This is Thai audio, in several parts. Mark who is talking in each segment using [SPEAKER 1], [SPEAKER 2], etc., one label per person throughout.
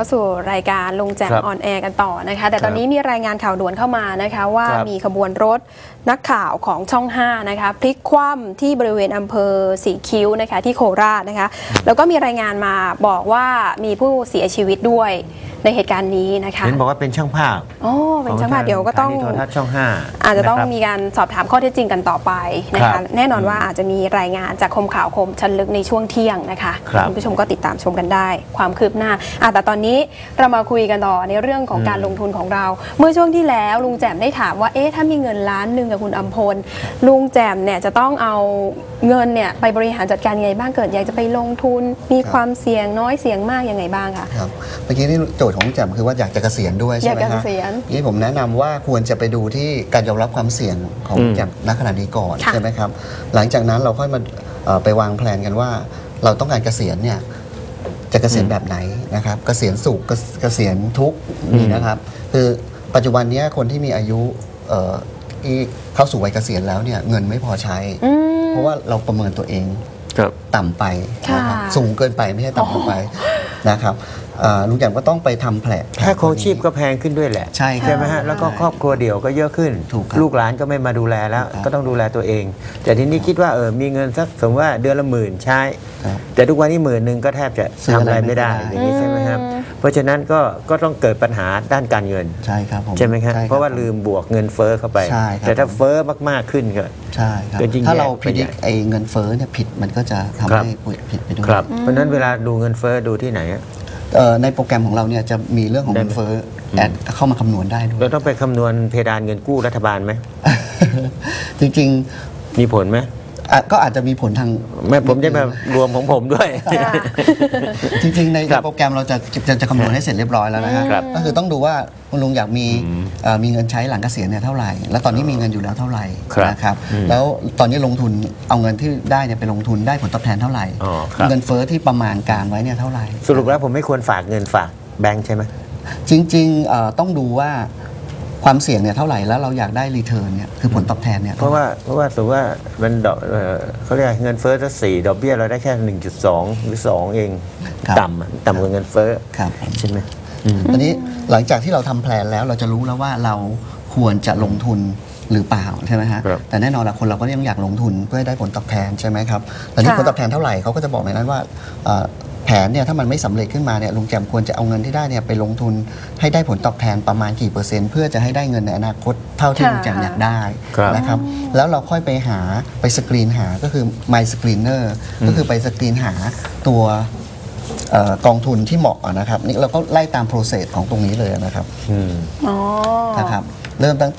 [SPEAKER 1] าสู่รายการลุงแจ่มออนแอร์กันต่อนะคะแต่ตอนนี้มีรายงานข่าวด่วนเข้ามานะคะว่ามีขบวนรถนักข่าวของช่อง5นะคะพลิกคว่ำที่บริเวณอำเภอสีคิ้วนะคะที่โคราชนะคะแล้วก็มีรายงานมาบอกว่ามีผู้เสียชีวิตด้วยในเหตุการณ์นี้นะคะ
[SPEAKER 2] เห็นบอกว่าเป็นช่างภาพ
[SPEAKER 1] เป็นช่างภาพเดี๋ยวก็ต้อง
[SPEAKER 2] โทรทัศน์ช่อง5
[SPEAKER 1] อาจจะต้องมีการสอบถามข้อเท็จจริงกันต่อไปนะคะแน่นอนว่าอาจจะมีรายงานจากคมข่าวคมชั้นลึกในช่วงเที่ยงนะคะคุณผู้ชมก็ติดตามชมกันได้ความคืบหน้าแต่ตอนนี้เรามาคุยกันต่อในเรื่องของการลงทุนของเราเมื่อช่วงที่แล้วลุงแจ่มได้ถามว่าถ้ามีเงิน1 ล้านกับคุณอำพลลุงแจ่มเนี่ยจะต้องเอาเงินเนี่ยไปบริหารจัดการยังไงบ้างเกิดอยากจะไปลงทุนมีความเสี่ยงน้อยเสี่ยงมากยังไงบ้างคะ
[SPEAKER 3] ครับเมื่อกี้นี่โจทย์ของแจ่มคือว่าอยากจะเกษียณด้วยใช่ไหมครับนี่ผมแนะนำว่าควรจะไปดูที่การยอมรับความเสี่ยงของแจ่มณขณะนี้ก่อนใช่ไหมครับหลังจากนั้นเราค่อยมาไปวางแผนกันว่าเราต้องการเกษียณเนี่ยจะเกษียณแบบไหนนะครับเกษียณสุขเกษียณทุกข์นี่นะครับคือปัจจุบันนี้คนที่มีอายุที่เข้าสู่วัยเกษียณแล้วเนี่ยเงินไม่พอใช้เพราะว่าเราประเมินตัวเองต่ำไปนะครับสูงเกินไปไม่ใช่ต่ำลงไปนะครับลุงแจ่มก็ต้องไปทำแผล
[SPEAKER 2] ค่าครองชีพก็แพงขึ้นด้วยแหละ
[SPEAKER 3] ใช่
[SPEAKER 2] ไหมฮะแล้วก็ครอบครัวเดี่ยวก็เยอะขึ้นลูกหลานก็ไม่มาดูแลแล้วก็ต้องดูแลตัวเองแต่ทีนี้คิดว่ามีเงินสักสมมติว่าเดือนละ10,000ใช้แต่ทุกวันนี้10,000ก็แทบจะทำอะไรไม่ได้อย่างนี้ใช่ไหมครับเพราะฉะนั้นก็ต้องเกิดปัญหาด้านการเงิน
[SPEAKER 3] ใช่ครับผม
[SPEAKER 2] ใช่ไหมครับเพราะว่าลืมบวกเงินเฟ้อเข้าไปแต่ถ้าเฟ้อมากๆขึ้นก็
[SPEAKER 3] ใช่ครับถ้าเราพิจิตรเงินเฟ้อเนี่ยผิดมันก็จะทำให้ผิดไปด้วย
[SPEAKER 2] เพราะฉะนั้นเวลาดูเงินเฟ้อดูที่ไหน
[SPEAKER 3] ในโปรแกรมของเราเนี่ยจะมีเรื่องของเงินเฟ้อแอดเข้ามาคำนวณได้ด้วย
[SPEAKER 2] เราต้องไปคำนวณเพดานเงินกู้รัฐบาลไหม
[SPEAKER 3] จริง
[SPEAKER 2] ๆมีผลไหม
[SPEAKER 3] ก็อาจจะมีผลทาง
[SPEAKER 2] ไม่ผมจะมารวมของผมด้วย
[SPEAKER 3] จริงๆในโปรแกรมเราจะคำนวณให้เสร็จเรียบร้อยแล้วนะครับก็คือต้องดูว่าคุณลุงอยากมีเงินใช้หลังเกษียณเนี่ยเท่าไหร่แล้วตอนนี้มีเงินอยู่แล้วเท่าไหร่นะครับแล้วตอนนี้ลงทุนเอาเงินที่ได้เนี่ยไปลงทุนได้ผลตอบแทนเท่าไหร่เงินเฟ้อที่ประมาณการไว้เนี่ยเท่าไหร่
[SPEAKER 2] สรุปแล้วผมไม่ควรฝากเงินฝากแบงค์ใช่ไหม
[SPEAKER 3] จริงๆต้องดูว่าความเสี่ยงเนี่ยเท่าไหร่แล้วเราอยากได้รีเทิร์นเนี่ยคือผลตอบแทนเนี่ย
[SPEAKER 2] เพราะว่าสมมติว่ามันดอกเขาเรียกเงินเฟ้อจะ4ดอกเบี้ยเราได้แค่ 1.2 หรือ2เองต่ำกว่าเงินเฟ้อใช่ไหม
[SPEAKER 3] ตอนนี้หลังจากที่เราทำแผนแล้วเราจะรู้แล้วว่าเราควรจะลงทุนหรือเปล่าใช่ไหมฮะแต่แน่นอนละคนเราก็ยังอยากลงทุนเพื่อให้ได้ผลตอบแทนใช่ไหมครับตอนนี้ผลตอบแทนเท่าไหร่เขาก็จะบอกในนั้นว่าแผนเนี่ยถ้ามันไม่สำเร็จขึ้นมาเนี่ยลุงแจ่มควรจะเอาเงินที่ได้เนี่ยไปลงทุนให้ได้ผลตอบแทนประมาณกี่เปอร์เซ็นต์เพื่อจะให้ได้เงินในอนาคตเท่าที่ลุงแจ่มอยากได้นะครับแล้วเราค่อยไปสกรีนหาก็คือ My Screener ก็คือไปสกรีนหาตัวกองทุนที่เหมาะนะครับนี่เราก็ไล่ตาม process ของตรงนี้เลยนะครับนะครับเริ่มตั้งแต่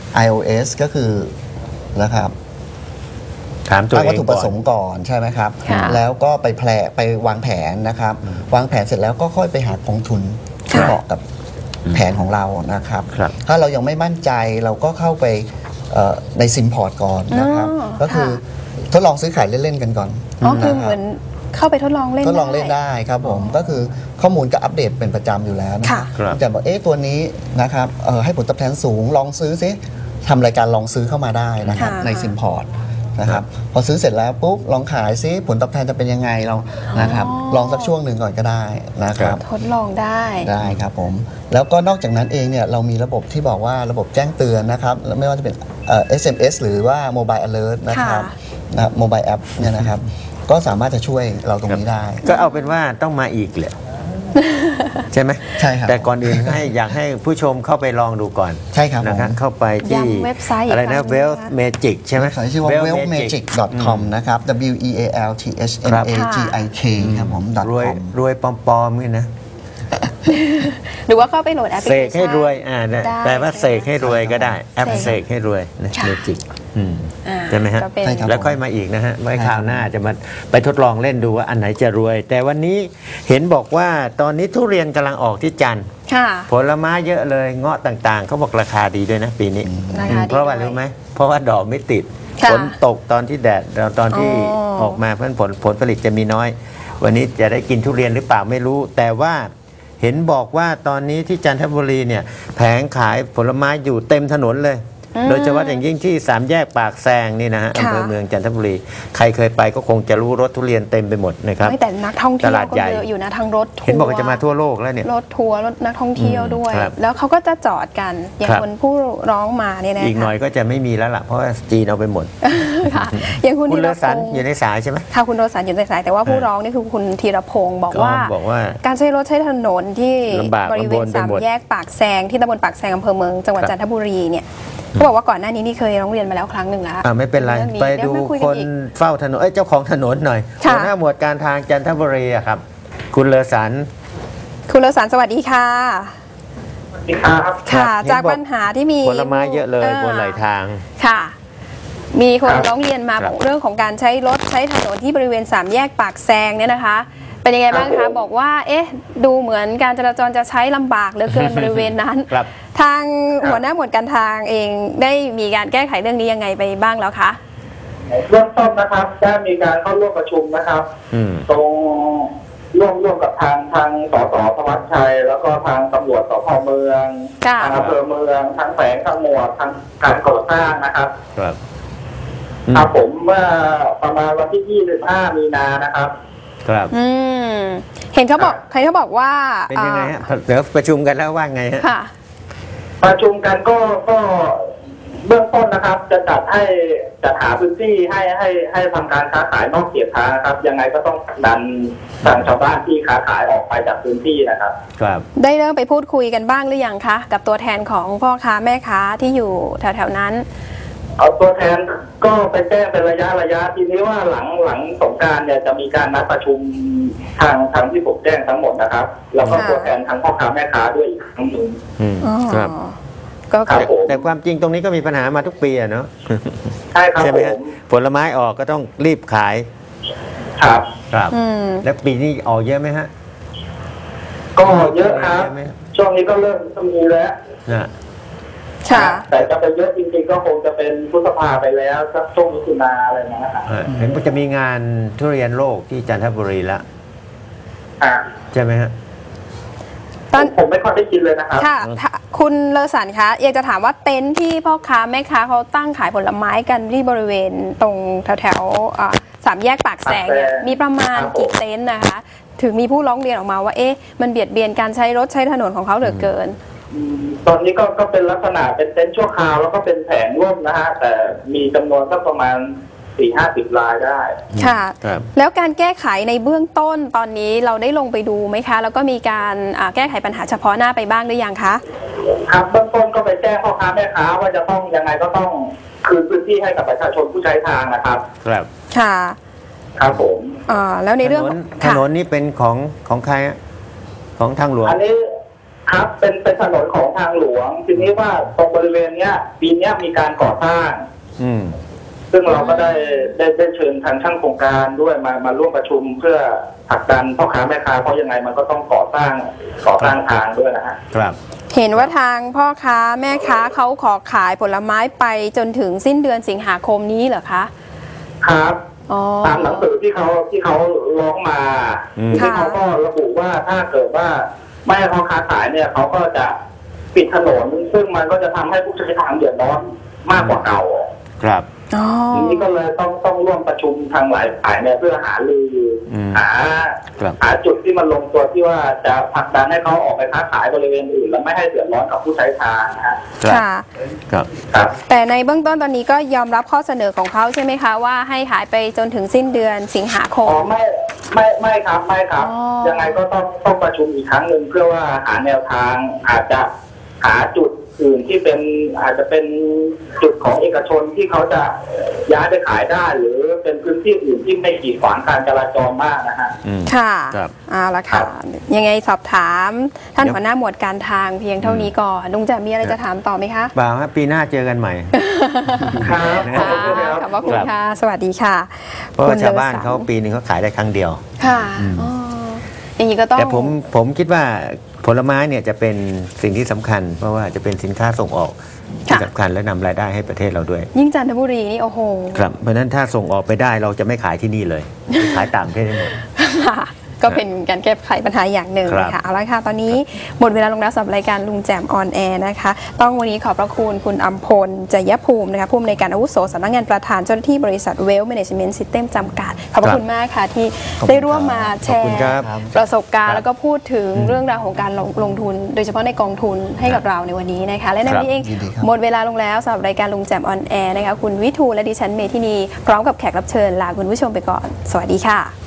[SPEAKER 3] iOS ก็คือนะครับ
[SPEAKER 2] ถามตัวเอง
[SPEAKER 3] วัตถุประสงค์ก่อนใช่ไหมครับแล้วก็ไปวางแผนนะครับวางแผนเสร็จแล้วก็ค่อยไปหากองทุนที่เหมาะกับแผนของเรานะครับถ้าเรายังไม่มั่นใจเราก็เข้าไปในซิมพอร์ตก่อนนะครับก็คือทดลองซื้อขายเล่นๆกันก่อน
[SPEAKER 1] คือเหมือนเข้าไปทดลองเล่
[SPEAKER 3] นได้ครับผมก็คือข้อมูลก็อัปเดตเป็นประจำอยู่แล้วนะครับจะบอกตัวนี้นะครับให้ผลตอบแทนสูงลองซื้อซิทำรายการลองซื้อเข้ามาได้นะครับในซิมพอร์ตนะครับพอซื้อเสร็จแล้วปุ๊บลองขายซิผลตอบแทนจะเป็นยังไงเรานะครับลองสักช่วงหนึ่งก่อนก็ได้นะครับ
[SPEAKER 1] ทดลอง
[SPEAKER 3] ได้ครับผมแล้วก็นอกจากนั้นเองเนี่ยเรามีระบบที่บอกว่าระบบแจ้งเตือนนะครับไม่ว่าจะเป็น SMS หรือว่า Mobile Alert นะครับMobile App เนี่ยนะครับก็สามารถจะช่วยเราตรงนี้ได้
[SPEAKER 2] ก็เอาเป็นว่าต้องมาอีกแหละใช่ไหม
[SPEAKER 3] ใช่ครับ
[SPEAKER 2] แต่ก่อนอื่นอยากให้ผู้ชมเข้าไปลองดูก่อน
[SPEAKER 3] ใช่ครับ
[SPEAKER 2] นะครับเข้าไปที่
[SPEAKER 1] เว็บไซต์
[SPEAKER 2] อะไรนะ Wealth Magic ใช่ไหม
[SPEAKER 3] ชื่อว่า wealthmagic.com นะครับ WEALTHMAGIK ครับผม
[SPEAKER 2] รวยปลอมๆนี่นะ
[SPEAKER 1] หรือว่าเข้าไปโหลดแอปพลิเคชัน
[SPEAKER 2] เสกให้รวยแปลว่าเสกให้รวยก็ได้แอปเสกให้รวยนะเมจิกใช่ไหมฮะแล้วค่อยมาอีกนะฮะไว้คราวหน้าจะมาไปทดลองเล่นดูว่าอันไหนจะรวยแต่วันนี้เห็นบอกว่าตอนนี้ทุเรียนกำลังออกที่จันทร์ผลไม้เยอะเลยเงาะต่างๆเขาบอกราคาดีด้วยนะปีนี้เพราะว่ารู้ไหมเพราะว่าดอกไม่ติดฝนตกตอนที่แดดตอนที่ออกมาเพราะผลผลิตจะมีน้อยวันนี้จะได้กินทุเรียนหรือเปล่าไม่รู้แต่ว่าเห็นบอกว่าตอนนี้ที่จันทบุรีเนี่ยแผงขายผลไม้อยู่เต็มถนนเลยโดยเฉพาะอย่างยิ่งที่3แยกปากแซงนี่นะฮะอำเภอเมืองจันทบุรีใครเคยไปก็คงจะรู้รถทุเรียนเต็มไปหมดนะครับ
[SPEAKER 1] แต่นักท่องเที่ยว
[SPEAKER 2] ตลาด
[SPEAKER 1] ก็
[SPEAKER 2] ใหญ่
[SPEAKER 1] เยอะอยู่นะทั้งรถทัวร์
[SPEAKER 2] เห็นบอกว่าจะมาทั่วโลกแล้วเนี่ย
[SPEAKER 1] รถทัวร์รถนักท่องเที่ยวด้วย แล้วเขาก็จะจอดกันอย่างคนผู้ร้องมาเนี่ยนะ
[SPEAKER 2] อีกหน่อยก็จะไม่มีแล้วล่ะเพราะว่าจีนเอาไปหมด
[SPEAKER 1] ค่ะอย่างคุณ
[SPEAKER 2] เลอสันอยู่ในสายใช่ไหม
[SPEAKER 1] ค่ะคุณเลอสันอยู่ในสายแต่ว่าผู้ร้องนี่คือคุณธีรพงศ์บอกว่าการใช้รถใช้ถนนที่บริเวณ3แยกปากแซงที่ตำบลปากแซงอำเภอเมืองจังหวัดจันทบุรีเนี่ยเขาบอกว่าก่อนหน้านี้นี่เคยร้องเรียนมาแล้วครั้งหนึ่งแล้ว
[SPEAKER 2] ไม่เป็นไรไปดูคนเฝ้าถนนเจ้าของถนนหน่อยหัวหน้าหมวดการทางจันทบุรีครับคุณเลอสัน
[SPEAKER 1] สวัสดีค่ะค่ะจากปัญหาที่มี
[SPEAKER 2] ผลไม้เยอะเลยบนไหลทาง
[SPEAKER 1] ค่ะมีคนร้องเรียนมาบอกเรื่องของการใช้รถใช้ถนนที่บริเวณ3แยกปากแซงเนี่ยนะคะเป็นยังไงบ้างคะบอกว่าดูเหมือนการจราจรจะใช้ลำบากเหลือเกินบริเวณนั้นทางหัวหน้าหมวดการทางเองได้มีการแก้ไขเรื่องนี้ยังไงไปบ้างแล้วคะ
[SPEAKER 4] เริ่มต้นนะครับได้มีการเข้าร่วมประชุมนะครับตรงร่วมกับทางสสธวัชชัยแล้วก็ทางตำรวจสพเมืองทางอำเภอเมืองทางแฝงทางหมวดทางการก่อสร้างนะครับครับผมเมื่อประมาณวันที่25มีนานะครับ
[SPEAKER 2] ครับ
[SPEAKER 1] เห็นเขาบอกว่า
[SPEAKER 2] เป็นยังไงฮะเดี๋ยวประชุมกันแล้วว่าไงฮะ
[SPEAKER 4] ประชุมกันก็เบื้องต้นนะครับจะจัดหาพื้นที่ให้ทำการค้าขายนอกเขตทางครับยังไงก็ต้องดันทางชาวบ้านที่ค้าขายออกไปจากพื้นที่นะครับ
[SPEAKER 2] ครับ
[SPEAKER 1] ได้เริ่มไปพูดคุยกันบ้างหรือยังคะกับตัวแทนของพ่อค้าแม่ค้าที่อยู่แถวๆนั้น
[SPEAKER 4] เอาตัวแทนก็ไปแจ้งเป็นระยะทีนี้ว่าหลังสงกรานต์เนี่ยจะมีการนัดประชุมทางที่ผมแจ้งทั้งหมดนะครับแล้วก็ตัวแทนทั้งพ่อค้าแม่ค้าด้วยอีกครั้งหนึ่ง
[SPEAKER 2] ครับแต่ความจริงตรงนี้ก็มีปัญหามาทุกปีเนาะ
[SPEAKER 4] ใช่ครับ
[SPEAKER 2] ใช่ไหมครับผลไม้ออกก็ต้องรีบขาย
[SPEAKER 4] ครับ
[SPEAKER 2] แล้วปีนี้ออกเยอะไหมฮะ
[SPEAKER 4] ก็เยอะครับช่วงนี้ก็เริ่มมีแล้วแต่จะไปเยอะจริงๆก็คงจะเป็นพฤษภาไปแล้วสักช่วงมิถุนาอะไรนะครับ
[SPEAKER 2] เห็นว่าจะมีงานทุเรียนโลกที่จันทบุรีแล้วใช่ไหมฮะ
[SPEAKER 4] ผมไม่ค่อยได้กินเลยนะครับ
[SPEAKER 1] ค่ะคุณเลอสันคะอยากจะถามว่าเต็นท์ที่พ่อค้าแม่ค้าเขาตั้งขายผลไม้กันที่บริเวณตรงแถว3แยกปากแซงเนี่ยมีประมาณกี่เต็นท์นะคะถึงมีผู้ร้องเรียนออกมาว่ามันเบียดเบียนการใช้รถใช้ถนนของเขาเหลือเกิน
[SPEAKER 4] ตอนนี้ก็เป็นลักษณะเป็นเต็นท์ชั่วคราวแล้วก็เป็นแผงร่มนะฮะแต่มีจำนวนสักประมาณ40-50 รายได้
[SPEAKER 1] ค่ะแล้วการแก้ไขในเบื้องต้นตอนนี้เราได้ลงไปดูไหมคะแล้วก็มีการแก้ไขปัญหาเฉพาะหน้าไปบ้างหรือยังคะ
[SPEAKER 4] ครับเบื้องต้นก็ไปแจ้งพ่อค้าแม่ค้าว่าจะต้องยังไงก็ต้องคืนพื้นที่ให้กับประชาชนผู้ใช้ทางนะครับ
[SPEAKER 2] ครับ
[SPEAKER 1] ค่ะ
[SPEAKER 4] ครับผม
[SPEAKER 1] แล้วในเรื่อง
[SPEAKER 2] ถนนนี้เป็นของใครของทางหลวง
[SPEAKER 4] อันนี้ครับเป็นถนนของทางหลวงทีนี้ว่าตรงบริเวณเนี้ยปีนี้มีการก่อสร้างซึ่งเราก็ได้เชิญทางช่างโครงการด้วยมาร่วมประชุมเพื่อผลักดันพ่อค้าแม่ค้าเพราะยังไงมันก็ต้องก่อสร้างทางด้วยนะฮะ
[SPEAKER 2] ครับ
[SPEAKER 1] เห็นว่าทางพ่อค้าแม่ค้าเขาขอขายผลไม้ไปจนถึงสิ้นเดือนสิงหาคมนี้เหรอคะ
[SPEAKER 4] ครับตามหนังสือที่เขาร้องมาที่เขาก็ระบุว่าถ้าเกิดว่าไม่ให้พ่อค้าขายเนี่ยเขาก็จะปิดถนนซึ่งมันก็จะทำให้ผู้ใช้ทางเดือดร้อนมากกว่าเก่า
[SPEAKER 2] ครับ
[SPEAKER 4] ทีนี้ก็เลยต้องร่วมประชุมทางหลายฝ่ายเนี่ยเพื่อหารือหาจุดที่มันลงตัวที่ว่าจะผลักดันให้เขาออกไปค้าขายบริเวณอื่นแล้วไม่ให้เดือดร้อนกับผู้ใช้ทาง
[SPEAKER 1] ค่ะแต่ในเบื้องต้นตอนนี้ก็ยอมรับข้อเสนอของเขาใช่ไหมคะว่าให้ขายไปจนถึงสิ้นเดือนสิงหาคม
[SPEAKER 4] ไม่ครับยังไงก็ต้องประชุมอีกครั้งหนึ่งเพื่อว่าหาแนวทางอาจจะหาจุดอื่นที่อาจจะเป็นจุดของเอกชนที่เขาจะย้ายไปขายได้หรือเป็นพื้นที่อื่นที่ไม่กีดขวางการจราจรมากนะฮะ
[SPEAKER 1] ค่ะเอาละค่ะยังไงสอบถามท่านหัวหน้าหมวดการทางเพียงเท่านี้ก่อนลุงจะมีอะไรจะถามต่อไหมคะ
[SPEAKER 2] บ่าวครับปีหน้าเจอกันใหม่
[SPEAKER 4] ครับ
[SPEAKER 1] ขอบคุณค่ะสวัสดีค่ะ
[SPEAKER 2] เพราะชาวบ้านเขาปีนึงเขาขายได้ครั้งเดียว
[SPEAKER 1] ค่ะอย่างนี้ก็ต้อง
[SPEAKER 2] แต่ผมคิดว่าผลไม้เนี่ยจะเป็นสิ่งที่สำคัญเพราะว่าจะเป็นสินค้าส่งออกที่สำคัญและนำรายได้ให้ประเทศเราด้วย
[SPEAKER 1] ยิ่งจันทบุรีนี่โอ้โห
[SPEAKER 2] ครับเพราะนั้นถ้าส่งออกไปได้เราจะไม่ขายที่นี่เลยขายต่างประเทศได้หมด
[SPEAKER 1] ก็เป็นการแก้ไขปัญหาอย่างหนึ่งนะคะเอาละค่ะตอนนี้หมดเวลาลงแล้วสำหรับรายการลุงแจมออนแอร์นะคะต้องวันนี้ขอบพระคุณคุณอัมพลจยภูมินะคะผู้อำนวยการอาวุโสสำนักงานประธานเจ้าหน้าที่บริษัทเวลแมเนจเมนต์ซิสเต็มจำกัดขอบพระคุณมากค่ะที่ได้ร่วมมาแชร์ประสบการณ์แล้วก็พูดถึงเรื่องราวของการลงทุนโดยเฉพาะในกองทุนให้กับเราในวันนี้นะคะและในวันนี้เองหมดเวลาลงแล้วสำหรับรายการลุงแจมออนแอร์นะคะคุณวิทูลและดิฉันเมธินีพร้อมกับแขกรับเชิญลาคุณผู้ชมไปก่อนสวัสดีค่ะ